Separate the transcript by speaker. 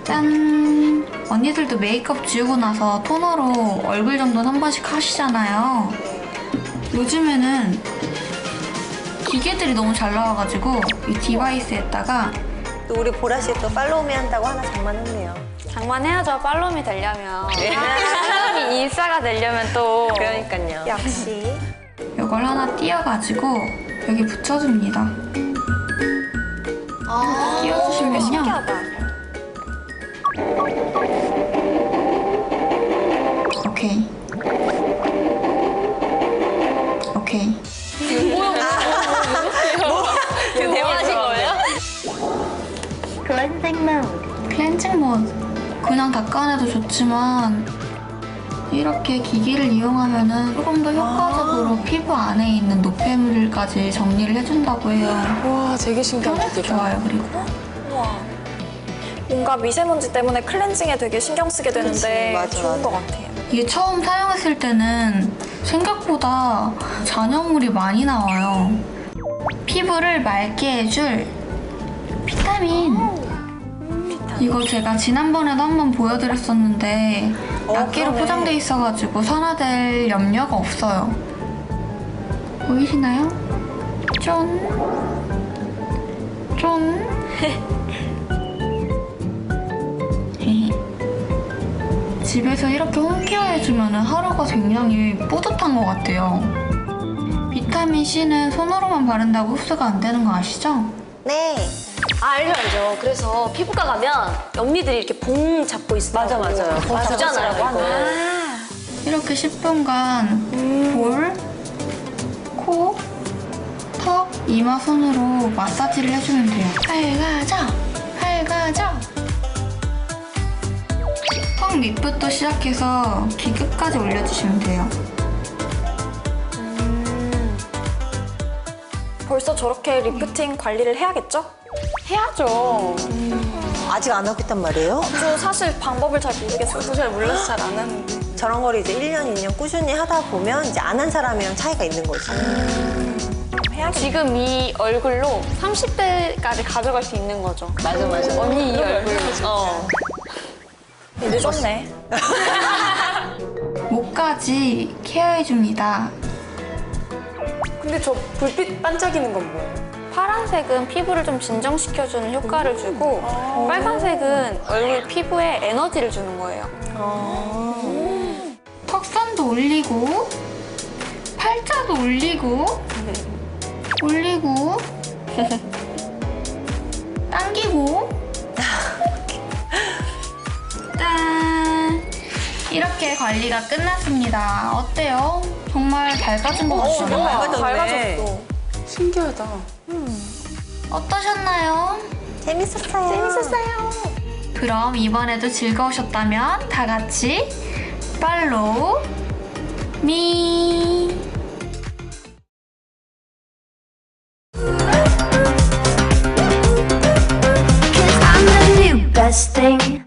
Speaker 1: 짠! 언니들도 메이크업 지우고 나서 토너로 얼굴 정도는 한 번씩 하시잖아요. 요즘에는 기계들이 너무 잘 나와가지고 이 디바이스에다가
Speaker 2: 또 우리 보라씨 또 팔로우미 한다고 하나 장만했네요.
Speaker 3: 장만해야죠. 팔로움이 되려면. 사람이 인싸가 되려면 또.
Speaker 2: 그러니까요. 역시.
Speaker 1: 이걸 하나 띄어가지고 여기 붙여줍니다. 띄워주시면요.
Speaker 3: 신기하다.
Speaker 1: 오케이. 오케이.
Speaker 2: 지금 대화하신 거예요?
Speaker 1: 클렌징 모드. 그냥 닦아내도 좋지만 이렇게 기기를 이용하면은 조금 더 효과적으로 피부 안에 있는 노폐물까지 정리를 해준다고 해요.
Speaker 4: 와, 되게 신기하다.
Speaker 1: 좋아요. 그리고
Speaker 3: 우와. 뭔가 미세먼지 때문에 클렌징에 되게 신경 쓰게 되는데
Speaker 2: 그치, 맞아,
Speaker 3: 좋은
Speaker 2: 맞아.
Speaker 3: 것 같아요.
Speaker 1: 이게 처음 사용했을 때는 생각보다 잔여물이 많이 나와요. 피부를 맑게 해줄 비타민. 이거 제가 지난번에도 한번 보여드렸었는데 낱개로
Speaker 2: 그러네.
Speaker 1: 포장돼 있어가지고 산화될 염려가 없어요. 보이시나요? 쫀. 쫀. 집에서 이렇게 홈케어 해주면 하루가 굉장히 뿌듯한 것 같아요. 비타민C는 손으로만 바른다고 흡수가 안 되는 거 아시죠?
Speaker 2: 네.
Speaker 5: 알죠. 그래서 피부과 가면 언니들이 이렇게 봉 잡고 있어요.
Speaker 2: 맞아요. 봉
Speaker 5: 주잖아요,
Speaker 2: 잡고
Speaker 5: 이거.
Speaker 1: 이렇게 10분간 볼, 코, 턱, 이마 손으로 마사지를 해주면 돼요. 밝아져. 턱 밑부터 시작해서 귀 끝까지 올려주시면 돼요.
Speaker 3: 벌써 저렇게 리프팅 관리를 해야겠죠?
Speaker 4: 해야죠.
Speaker 2: 아직 안 하겠단 말이에요?
Speaker 3: 저 사실 방법을 잘 모르겠어요. 저도 잘 몰라서 잘 안 하는데.
Speaker 2: 저런 걸 이제 1년, 2년 꾸준히 하다 보면 이제 안 한 사람이랑 차이가 있는 거지.
Speaker 3: 해야겠네.
Speaker 4: 지금 이 얼굴로 30대까지 가져갈 수 있는 거죠.
Speaker 2: 맞아.
Speaker 4: 언니 이 얼굴로.
Speaker 3: 늦었네.
Speaker 1: 목까지 케어해줍니다.
Speaker 4: 근데 저 불빛 반짝이는 건 뭐예요?
Speaker 3: 파란색은 피부를 좀 진정시켜주는 효과를 주고 빨간색은 얼굴 피부에 에너지를 주는 거예요.
Speaker 1: 턱선도 올리고 팔자도 올리고 당기고 짠! 이렇게 관리가 끝났습니다. 어때요? 정말 밝아진 것 같죠?
Speaker 3: 밝아졌어.
Speaker 4: 신기하다.
Speaker 1: 어떠셨나요?
Speaker 2: 재밌었어요.
Speaker 1: 그럼 이번에도 즐거우셨다면 다 같이 팔로우 미.
Speaker 6: I'm the new best thing.